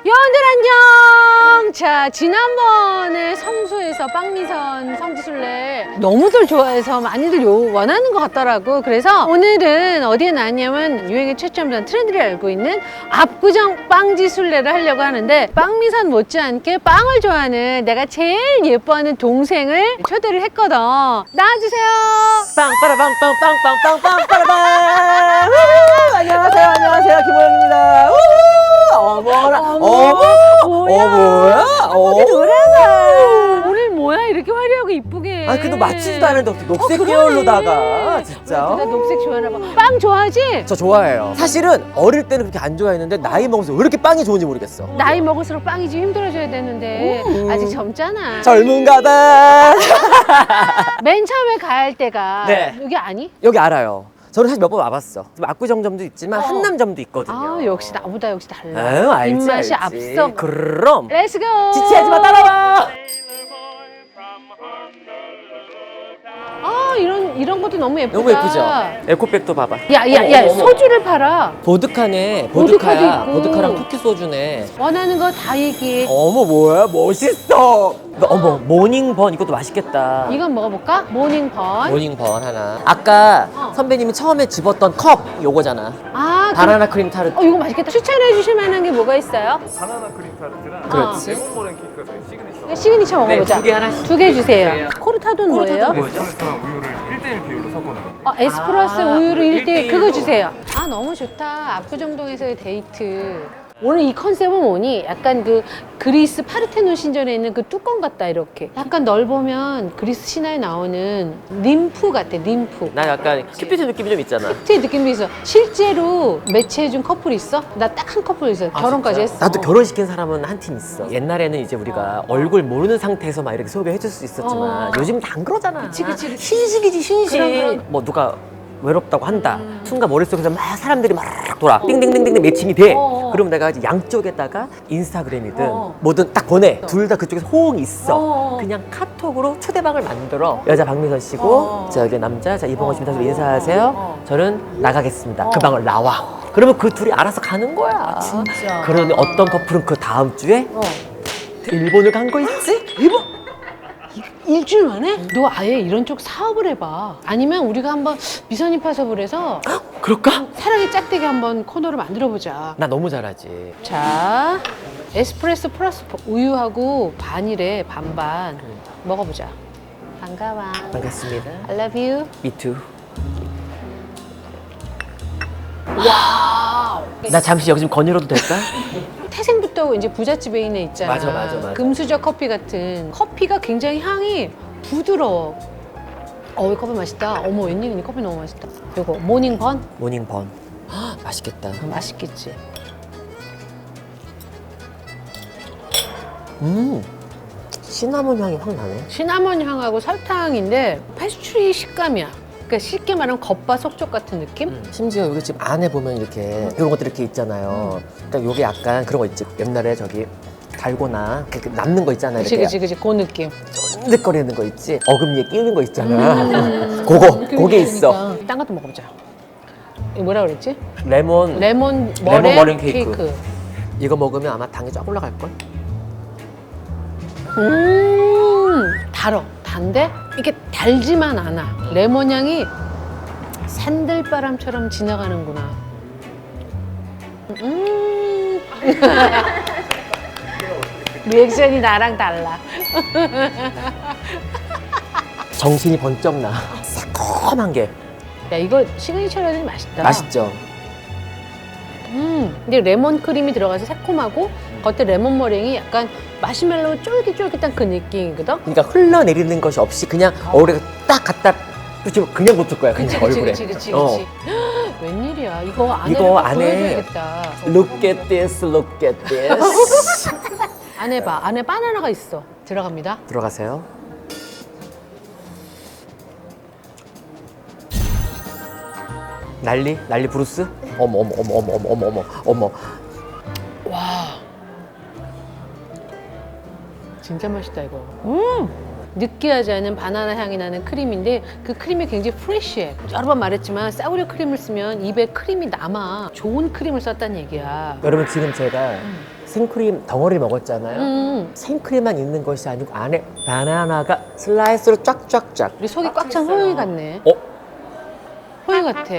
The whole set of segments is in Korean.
여러분들 안녕! 자, 지난번에 성수에서 빵미선 성지순례 너무들 좋아해서 많이들 원하는 것 같더라고. 그래서 오늘은 어디에 나왔냐면 유행의 최첨단 트렌드를 알고 있는 압구정 빵지순례를 하려고 하는데, 빵미선 못지않게 빵을 좋아하는 내가 제일 예뻐하는 동생을 초대를 했거든. 나와주세요. 빵빠라빵빵빵빵빵빵빠라빵. 안녕하세요 김호영입니다. 어머나 뭐야? 어머 노래가 오늘 뭐야 이렇게 화려하고 이쁘게. 아 그래도 맞지도 않은데 어떻게 녹색 계열로다가 진짜. 나 녹색 좋아하나 봐. 빵 좋아하지? 저 좋아해요. 사실은 어릴 때는 그렇게 안 좋아했는데 나이 먹어서 왜 이렇게 빵이 좋은지 모르겠어. 나이 먹을수록 빵이 좀 힘들어져야 되는데 아직 젊잖아. 젊은가봐. 맨 처음에 갈 때가 네. 여기 아니? 여기 알아요. 저는 사실 몇 번 와봤어. 지금 압구정점도 있지만 한남점도 있거든요. 아 역시 나보다 역시 달라. 아유, 알지, 입맛이 알지. 앞서. 그럼 렛츠고. 지체하지 마, 따라와. 아 이런 것도 너무 예쁘다. 너무 예쁘죠? 에코백도 봐봐. 야야야 어머, 어머. 소주를 팔아. 보드카네. 보드카도 보드카야. 있고. 보드카랑 토끼 소주네. 원하는 거 다 얘기해. 어머 뭐야 멋있어. 어머 모닝번 이것도 맛있겠다. 이건 먹어볼까? 모닝번. 모닝번 하나. 아까 선배님이 처음에 집었던 컵 요거잖아. 아 바나나 크림 타르트. 이거 맛있겠다. 추천해 주실 만한 게 뭐가 있어요? 바나나 크림 타르트랑 그렇지. 레몬 머랭 케이크가 저희 시그니처. 시그니처 먹어보자. 네, 2개 하나씩. 2개 주세요. 코르타도는 뭐예요? 에스프레소랑 우유를 1대1 비율로 섞어놓은 거. 에스프레소 우유로 1대1 그거 주세요. 아 너무 좋다. 압구정동에서의 데이트. 오늘 이 컨셉은 뭐니? 약간 그 그리스 파르테논 신전에 있는 그 뚜껑 같다 이렇게. 약간 널 보면 그리스 신화에 나오는 림프 같아. 림프. 나 약간 큐피드 느낌이 좀 있잖아. 제 느낌이 있어. 실제로 매치해준 커플 있어? 나 딱 한 커플 있어. 결혼까지 했어. 나도 결혼시킨 사람은 한 팀 있어. 옛날에는 이제 우리가 얼굴 모르는 상태에서 막 이렇게 소개해줄 수 있었지만 요즘 다 안 그러잖아. 그치. 신식이지 신식. 그럼. 뭐 누가 외롭다고 한다. 순간 머릿속에서 막 사람들이 막 돌아. 띵띵띵띵 매칭이 돼. 그러면 내가 이제 양쪽에다가 인스타그램이든 뭐든 딱 보내. 둘 다 그쪽에서 호응이 있어. 그냥 카톡으로 초대방을 만들어. 여자 박미선 씨고 자 여기 남자 자 이봉원 씨입니다. 인사하세요. 저는 나가겠습니다. 그 방을 나와. 그러면 그 둘이 알아서 가는 거야. 진짜. 그러니 어떤 커플은 그 다음 주에 일본을 간 거 있지? 일본? 일주일 만에? 너 아예 이런 쪽 사업을 해봐. 아니면 우리가 한번 미선이 파섭을 해서 그럴까? 사랑의 짝대기 한번 코너를 만들어보자. 나 너무 잘하지. 자, 에스프레소 플러스 우유하고 반이래, 반반. 먹어보자. 반가워. 반갑습니다. I love you. Me too. 와우. 나 잠시 여기 좀 거닐어도 될까? 태생부터 이제 부잣집에 있는 있잖아. 맞아. 금수저 커피 같은. 커피가 굉장히 향이 부드러워. 이 커피 맛있다. 어머, 웬일이니 커피 너무 맛있다. 이거 모닝번? 모닝번. 맛있겠다. 맛있겠지. 시나몬 향이 확 나네. 시나몬 향하고 설탕인데 페스츄리 식감이야. 그러니까 쉽게 말하면 겉바 속촉 같은 느낌? 심지어 여기 지금 안에 보면 이렇게 이런 것들 이렇게 있잖아요. 그러니까 요게 약간 그런 거 있지. 옛날에 저기 달고나 이렇게 남는 거 있잖아요. 이렇게 그치. 그 느낌. 쫀득거리는 거 있지. 어금니에 끼는 거 있잖아. 그게 있어. 딴 것도 먹어보자. 이거 뭐라 그랬지? 레몬 레몬 머랭 케이크. 케이크. 이거 먹으면 아마 당이 쫙 올라갈 걸. 달어. 단데 이게 달지만 않아. 레몬 향이 산들바람처럼 지나가는구나. 리액션이 나랑 달라. 정신이 번쩍 나. 새콤한 게 야 이거 시그니처라니 맛있다. 맛있죠. 근데 레몬 크림이 들어가서 새콤하고 겉에 레몬 머랭이 약간 마시멜로우 쫄깃쫄깃한 그 느낌이거든. 그러니까 흘러내리는 것이 없이 그냥 얼굴에 딱 갖다 붙이면 그냥 붙을 거야. 그냥 얼굴에. 그치. 어. 웬일이야? 이거 안에 이거 안에 보여줘야겠다. Look at this, look at this. 안에 봐. 안에 바나나가 있어. 들어갑니다. 들어가세요. 난리 브루스? 어머. 와. 진짜 맛있다 이거. 느끼하지 않은 바나나 향이 나는 크림인데 그 크림이 굉장히 프레쉬해. 여러 번 말했지만 사우리 크림을 쓰면 입에 크림이 남아. 좋은 크림을 썼다는 얘기야. 여러분 지금 제가 생크림 덩어리 먹었잖아요. 생크림만 있는 것이 아니고 안에 바나나가 슬라이스로 쫙쫙쫙. 우리 속이 꽉 찬 호영이 같네. 어? 호영이 같아.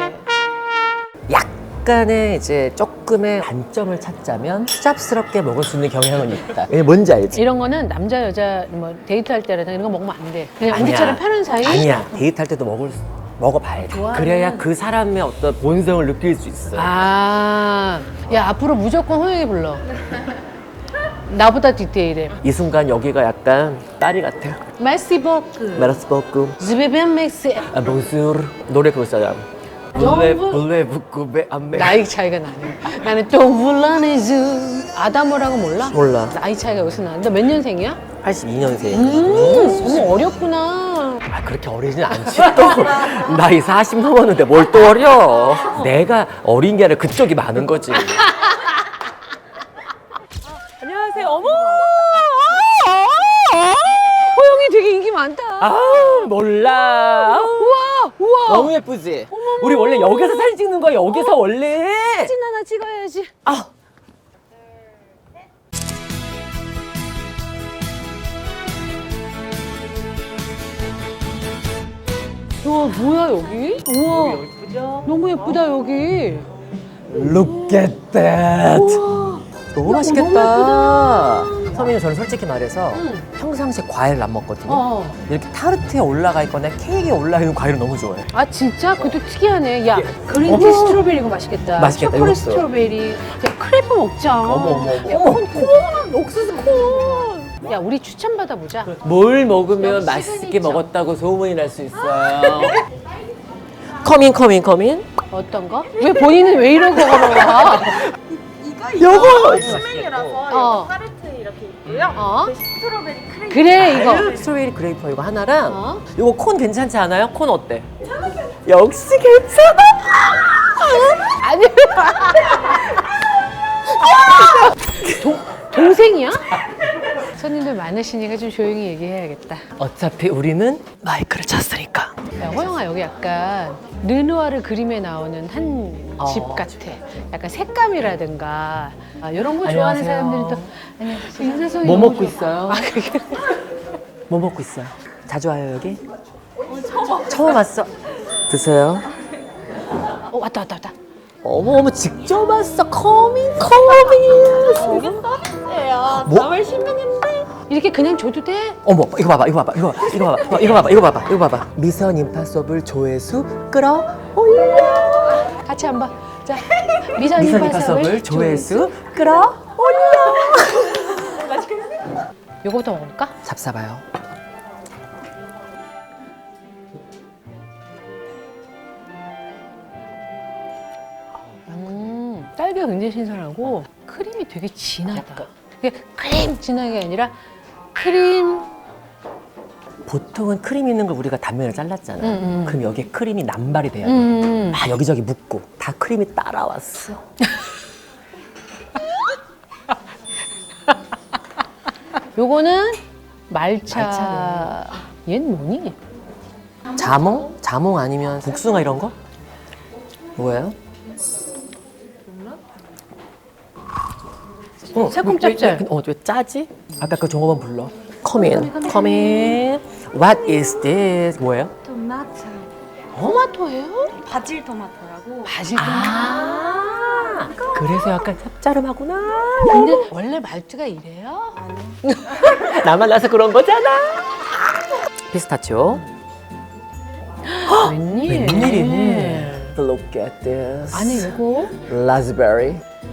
약간의 이제 조금의 단점을 찾자면 수잡스럽게 먹을 수 있는 경향은 있다. 이게 뭔지 알지? 이런 거는 남자 여자 뭐 데이트할 때라든가 이런 거 먹으면 안 돼. 그냥 아니야. 우리처럼 편한 사이. 아니야. 데이트할 때도 먹어봐야 돼. 좋아하는- 그래야 그 사람의 어떤 본성을 느낄 수 있어. 아, 야 앞으로 무조건 호영이 불러. 나보다 디테일해. 이 순간 여기가 약간 파리 같아. 메시 버크. 메라스버크. 즈베벤 맥스. 아, bonjour. 노래 그거 있잖아. 블레 부쿠베 안메. 나이 차이가 나네. 나는 또 불러내주. 아다모라고 몰라? 몰라. 나이 차이가 여기서 나는데 몇 년생이야? 82년생. 너무 어렵구나. 아, 그렇게 어리진 않지. 또 나이 40 넘었는데 뭘 또 어려. 내가 어린 게 아니라 그쪽이 많은 거지. 안녕하세요. 어머. 호영이 되게 인기 많다. 아, 몰라. 우와, 우와. 너무 예쁘지? 우리 원래 여기서 사진 찍는 거야. 여기서 원래. 사진 하나 찍어야지. 아. 우와, 뭐야 여기? 우와, 너무 예쁘다 여기. Look at that. 우와. 너무 맛있겠다. 선배님, 저는 솔직히 말해서 평상시에 과일을 안 먹거든요. 어. 이렇게 타르트에 올라가 있거나 케이크에 올라가 있는 과일을 너무 좋아해. 아 진짜? 그것도 특이하네. 야 그린티 어머. 스트로베리 이거 맛있겠다. 맛있겠다, 초콜릿 이것도. 스트로베리. 야 크레프 먹자. 어머, 어머, 어머. 야, 콘, 옥수수 콘. 야 우리 추천 받아보자. 뭘 먹으면 맛있게 먹었다고 소문이 날 수 있어요. 커민. 어떤 거? 왜 본인은 왜 이러고 걸어와? 요거! 스멜이라서 어. 타르트 이렇게 있고요. 어? 그 스트로베리 크림. 그래 이거. 스트로베리 그레이퍼 이거 하나랑 어? 요거 콘 괜찮지 않아요? 콘 어때? 역시 괜찮아! 아니. 동생이야? 손님들 많으시니까 좀 조용히 얘기해야겠다. 어차피 우리는 마이크를 찼으니까. 야, 호영아 여기 약간 르누아르 그림에 나오는 한 집 어. 같아. 약간 색감이라든가 이런 거 좋아하는 안녕하세요. 사람들이 또 안녕하세요. 인사성이 뭐 너무 먹고 좋아. 있어요? 아 그게 뭐 먹고 있어요? 자주 와요 여기? 처음 왔어. 드세요. 왔다. 어머 직접 왔어. 커밍. 이게 서비스예요. 뭐? 4월 10일인데. 이렇게 그냥 줘도 돼? 어머 이거 봐봐. 이거 봐봐. 미선 임파서블 조회수 끌어올려. 같이 한번. 자, 미선 미선 임파서블 임파서블 조회수 끌어올려. 요거부터 먹을까? 잡사봐요. 딸기가 굉장히 신선하고 크림이 되게 진하다. 그게 크림 진하게 아니라 크림. 보통은 크림 있는 걸 우리가 단면을 잘랐잖아. 그럼 여기에 크림이 남발이 돼야 돼. 막 여기저기 묻고 다 크림이 따라왔어. 요거는 말차. 얘는 뭐니? 자몽? 자몽 아니면 복숭아 이런 거? 뭐예요? 새콤 짭짤. 왜 짜지? 아까 그 종업원 불러. Come in. What is this? 뭐예요? 토마토. 토마토예요? 바질 토마토라고. 바질 아, 그래서 약간 짭짤하구나. 근데 원래 말투가 이래요? 나만 나서 그런 거잖아. 피스타치오. 웬일? 웬일이니? Look at this. 안에 요거? 라즈베리.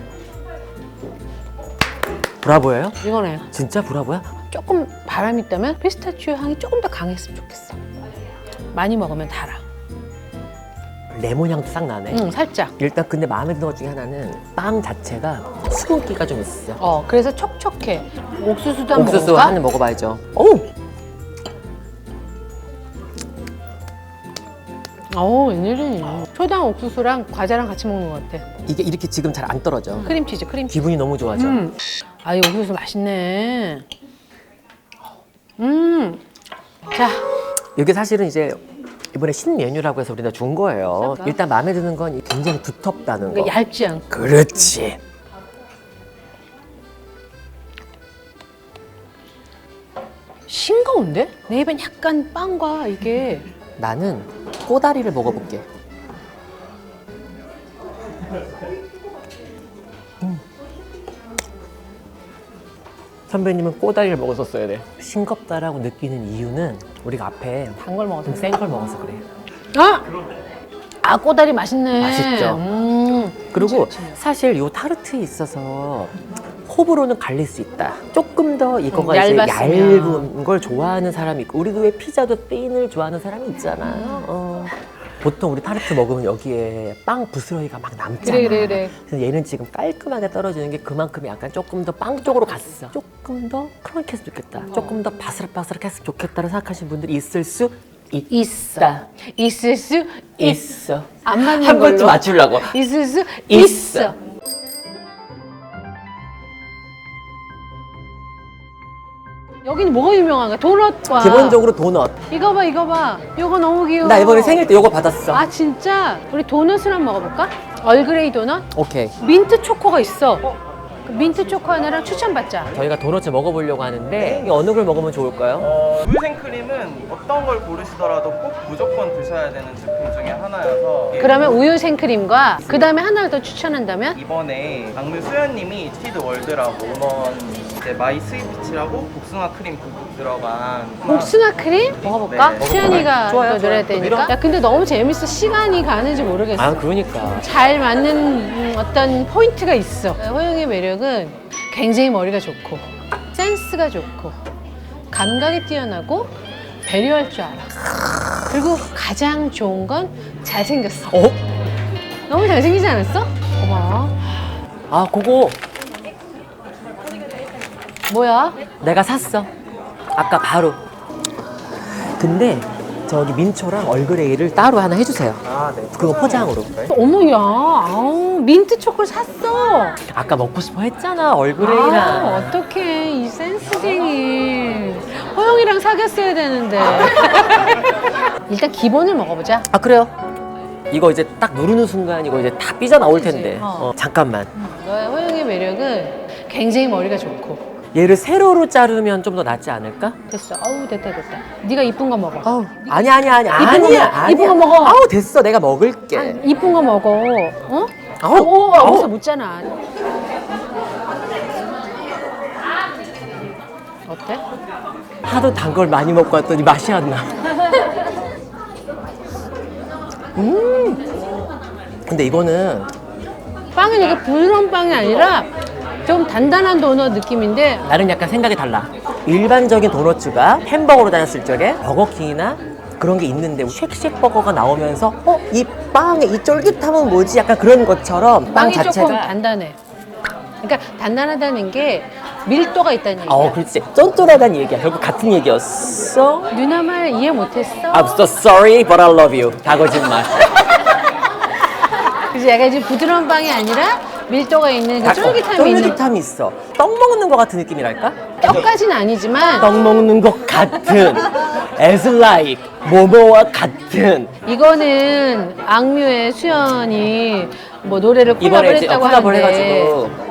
브라보예요? 이거네. 진짜 브라보야? 조금 바람이 있다면 피스타치오 향이 조금 더 강했으면 좋겠어. 많이 먹으면 달아. 레몬 향도 싹 나네. 응, 살짝. 일단 근데 마음에 드는 것 중에 하나는 빵 자체가 수분기가 좀 있어. 그래서 촉촉해. 옥수수도 한번 옥수수 먹을까? 한 입 먹어봐야죠. 오! 웬일이니. 초당 옥수수랑 과자랑 같이 먹는 것 같아. 이게 이렇게 지금 잘 안 떨어져. 크림치즈, 크림치즈. 기분이 너무 좋아져. 아, 이 옥수수 맛있네. 자, 이게 사실은 이제 이번에 신메뉴라고 해서 우리가 준 거예요. 일단 마음에 드는 건 굉장히 두텁다는 거. 그러니까 얇지 않고. 그렇지. 싱거운데? 내 입엔 약간 빵과 이게 나는 꼬다리를 먹어볼게. 선배님은 꼬다리를 먹었었어야 돼. 싱겁다라고 느끼는 이유는 우리가 앞에 단 걸 먹어서 좀 센 걸 먹어서 그래. 아! 아 꼬다리 맛있네. 맛있죠? 그리고 그치, 그치. 사실 이 타르트에 있어서 호불호는 갈릴 수 있다. 조금 더 이거가 이제 얇았으면. 얇은 걸 좋아하는 사람이 있고, 우리도 왜 피자도 핀을 좋아하는 사람이 있잖아. 보통 우리 타르트 먹으면 여기에 빵 부스러기가 막 남잖아. 그래. 그래서 얘는 지금 깔끔하게 떨어지는 게 그만큼 약간 조금 더 빵 쪽으로 갔어. 조금 더 크런키했으면 좋겠다. 조금 더 바스락바스락했으면 좋겠다고 생각하시는 분들이 있을 수 있어. 있을 수 있어. 안 맞는 한 걸로. 번쯤 맞추려고. 있을 수 있어. 있어. 여기는 뭐가 유명한가? 도넛과 기본적으로 도넛. 이거 봐 이거 봐. 이거 너무 귀여워. 나 이번에 생일 때 이거 받았어. 아 진짜? 우리 도넛을 한번 먹어볼까? 얼그레이 도넛? 오케이. 민트 초코가 있어. 그 민트 초코 하나랑 추천받자. 저희가 도넛을 먹어보려고 하는데 이게 어느 걸 먹으면 좋을까요? 우유 생크림은 어떤 걸 고르시더라도 꼭 무조건 드셔야 되는 제품 중에 하나여서 그러면 우유 생크림과 그 다음에 하나를 더 추천한다면? 이번에 박물 수연님이 티드 월드라고 음원 이제 마이 스위피치라고 복숭아 크림 듬뿍 들어간 복숭아 크림? 먹어볼까? 네, 수연이가 좋아요, 또 노래할 좋아요. 때니까. 그럼. 야 근데 너무 재밌어. 시간이 가는지 모르겠어. 아 그러니까. 잘 맞는 어떤 포인트가 있어. 호영의 매력은 굉장히 머리가 좋고 센스가 좋고 감각이 뛰어나고 배려할 줄 알아. 그리고 가장 좋은 건 잘생겼어. 어? 너무 잘생기지 않았어? 고마워. 아 그거 뭐야? 내가 샀어. 아까 바로. 근데 저기 민초랑 얼그레이를 따로 하나 해주세요. 아, 네. 그거 포장으로. 어머야, 아우, 민트 초코를 샀어. 아까 먹고 싶어 했잖아 아, 얼그레이랑. 어떡해. 이 센스쟁이. 호영이랑 사귀었어야 되는데. 일단 기본을 먹어보자. 아 그래요? 이거 이제 딱 누르는 순간 이거 이제 다 삐져나올 그치? 텐데. 어. 잠깐만. 너의 호영의 매력은 굉장히 머리가 좋고. 얘를 세로로 자르면 좀 더 낫지 않을까? 됐어. 어우, 됐다. 이네가 이쁜 거 먹어. 아우 아니야 이쁜 거 먹어. 아우 됐어 내가 먹을게. 이쁜 거 먹어. 어? 아우, 아우. 여기서 묻잖아. 어때? 하도 단 걸 많이 먹고 왔더니 맛이 안 나. 근데 이거는 빵은 이게 부드러운 빵이 아니라 좀 단단한 도넛 느낌인데 나는 약간 생각이 달라. 일반적인 도너츠가 햄버거로 다녔을 적에 버거킹이나 그런 게 있는데 쉑쉑 버거가 나오면서 이 빵의 이 쫄깃함은 뭐지? 약간 그런 것처럼 빵 빵이 자체가 조금 단단해. 그러니까 단단하다는 게 밀도가 있다는 얘기야. 그렇지. 쫀쫀하다는 얘기야. 결국 같은 얘기였어. 누나 말 이해 못했어? I'm so sorry, but I love you. 다 거짓말. 그래서 약간 좀 부드러운 빵이 아니라 밀도가 있는 그 쫄깃함이 있는 쫄깃함이 있어. 떡 먹는 것 같은 느낌이랄까? 떡까지는 아니지만 떡 먹는 것 같은. As like 모모와 같은. 이거는 악뮤의 수연이 뭐 노래를 이번에 콜라보를 이제 했다고 콜라보를 하는데 해가지고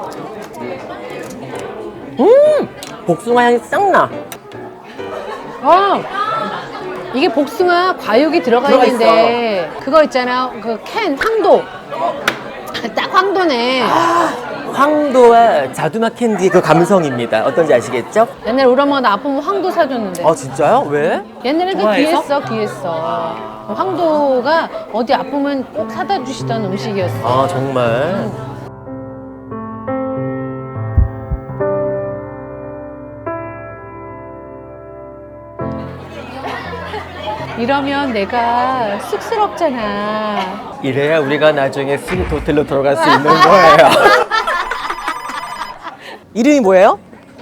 복숭아 향이 싹 나. 이게 복숭아 과육이 들어가 있는데 그거 있잖아 그 캔 황도 딱 황도네. 황도와 자두맛 캔디 그 감성입니다. 어떤지 아시겠죠? 옛날에 우리 엄마가 나 아프면 황도 사줬는데 진짜요? 왜? 옛날에 그 좋아해서? 귀했어. 황도가 어디 아프면 꼭 사다 주시던 음식이었어. 정말. 이러면 내가 쑥스럽잖아. 이래야 우리가 나중에 스위트 호텔로 들어갈 수 있는 거예요. 이름이 뭐예요?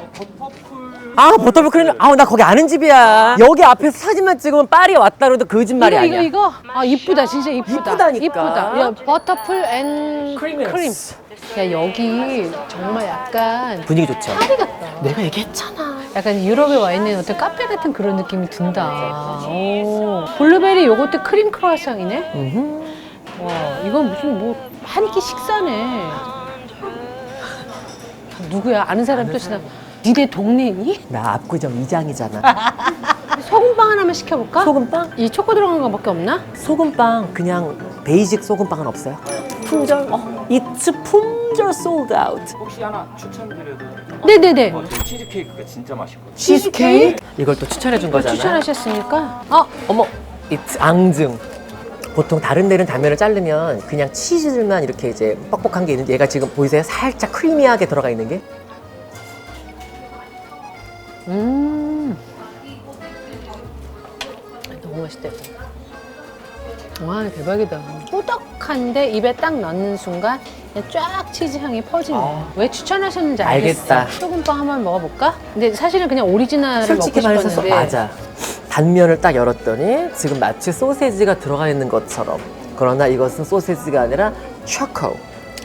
버터풀 크림. 나 거기 아는 집이야. 여기 앞에서 사진만 찍으면 파리에 왔다 그래도 거짓말이 아니야. 이거. 이쁘다. 진짜 이쁘다. 이쁘다니까. 이쁘다. 야, 버터풀 앤 크림. 크림. 야, 여기 정말 약간 분위기 좋죠? 파리 같다. 내가 얘기했잖아. 약간 유럽에 와 있는 어떤 카페 같은 그런 느낌이 든다. 오. 블루베리 요거트 크림 크루아상이네? 와, 이건 무슨 한 끼 식사네. 누구야? 아는 사람 또 지나. 니네 동네니? 나 압구정 이장이잖아. 소금빵 하나만 시켜볼까? 소금빵? 이 초코 들어간 거밖에 없나? 소금빵 그냥 베이직 소금빵은 없어요? 품절? 이츠 품절 솔드 아웃. 혹시 하나 추천드려도 네네네. 저 치즈케이크가 진짜 맛있거든요. 치즈케이크? 이걸 또 추천해 준 거잖아. 추천하셨으니까. 어머, 이츠 앙증. 보통 다른 데는 단면을 자르면 그냥 치즈만 이렇게 이제 뻑뻑한 게 있는데 얘가 지금 보이세요? 살짝 크리미하게 들어가 있는 게. 너무 맛있다. 이거. 와, 대박이다. 꾸덕한데 입에 딱 넣는 순간 그냥 쫙 치즈 향이 퍼지네. 왜 추천하셨는지 알겠어. 알겠다. 소금빵 한번 먹어볼까? 근데 사실은 그냥 오리지널을 솔직히 먹고 말해서 싶었는데. 맞아. 단면을 딱 열었더니 지금 마치 소세지가 들어가 있는 것처럼. 그러나 이것은 소세지가 아니라 초코.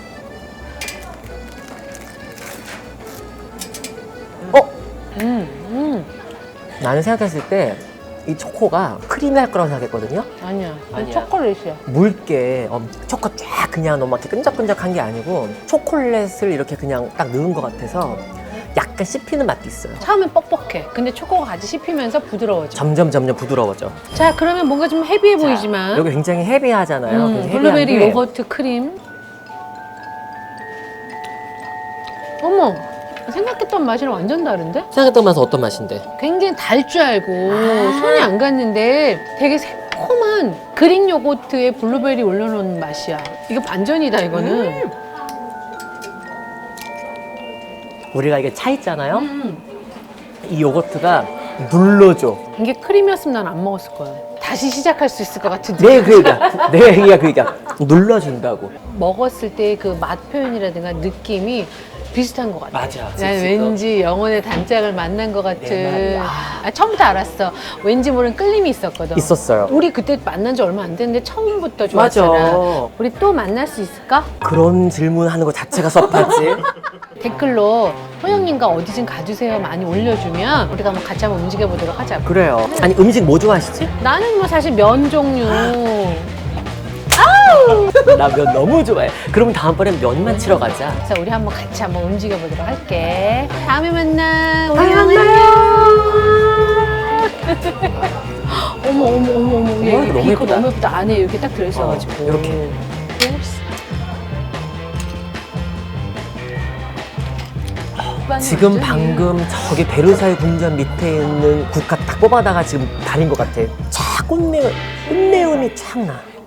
나는 생각했을 때 이 초코가 크리미할 거라고 생각했거든요. 아니야. 아니야. 초콜릿이야. 묽게 초코 쫙 그냥 너무 이렇게 끈적끈적한 게 아니고 초콜릿을 이렇게 그냥 딱 넣은 것 같아서 약간 씹히는 맛도 있어요. 처음엔 뻑뻑해. 근데 초코가 같이 씹히면서 부드러워져. 점점 부드러워져. 자, 그러면 뭔가 좀 헤비해 보이지만. 여기 굉장히 헤비하잖아요. 굉장히 블루베리 헤비한데 요거트 크림. 어머, 생각했던 맛이랑 완전 다른데? 생각했던 맛은 어떤 맛인데? 굉장히 달 줄 알고 손이 안 갔는데 되게 새콤한 그릭 요거트에 블루베리 올려놓은 맛이야. 이거 반전이다, 이거는. 우리가 이게 차 있잖아요. 이 요거트가 눌러줘. 이게 크림이었으면 난 안 먹었을 거야. 다시 시작할 수 있을 것 같은데. 내 얘기가 그러니까 눌러준다고. 먹었을 때 그 맛 표현이라든가 느낌이 비슷한 것 같아. 맞아. 난 왠지 영혼의 단짝을 만난 것 같은. 내 말이야. 처음부터 알았어. 왠지 모르는 끌림이 있었거든. 있었어요. 우리 그때 만난 지 얼마 안 됐는데 처음부터 맞아. 좋았잖아. 우리 또 만날 수 있을까? 그런 질문하는 거 자체가 섭하지. 댓글로 호영님과 어디 좀 가주세요 많이 올려주면 우리가 한번 같이 한번 움직여보도록 하자고. 그래요. 아니 음식 뭐 좋아하시지? 나는 뭐 사실 면 종류. 나 면 너무 좋아해. 그럼 다음번엔 면만 치러 가자. 그래서 우리 한번 같이 한번 움직여보도록 할게. 다음에 만나. 우리 다음에 어머 어머 어머 어머. 얘 너무 비커 예쁘다. 너무 예쁘다. 안에 이렇게 딱 들어있어가지고. 이렇게. 지금 방금 저기 베르사유 궁전 밑에 있는 국화 딱 뽑아다가 지금 다린 것 같아. 쫙 꽃내음이 쫙 나.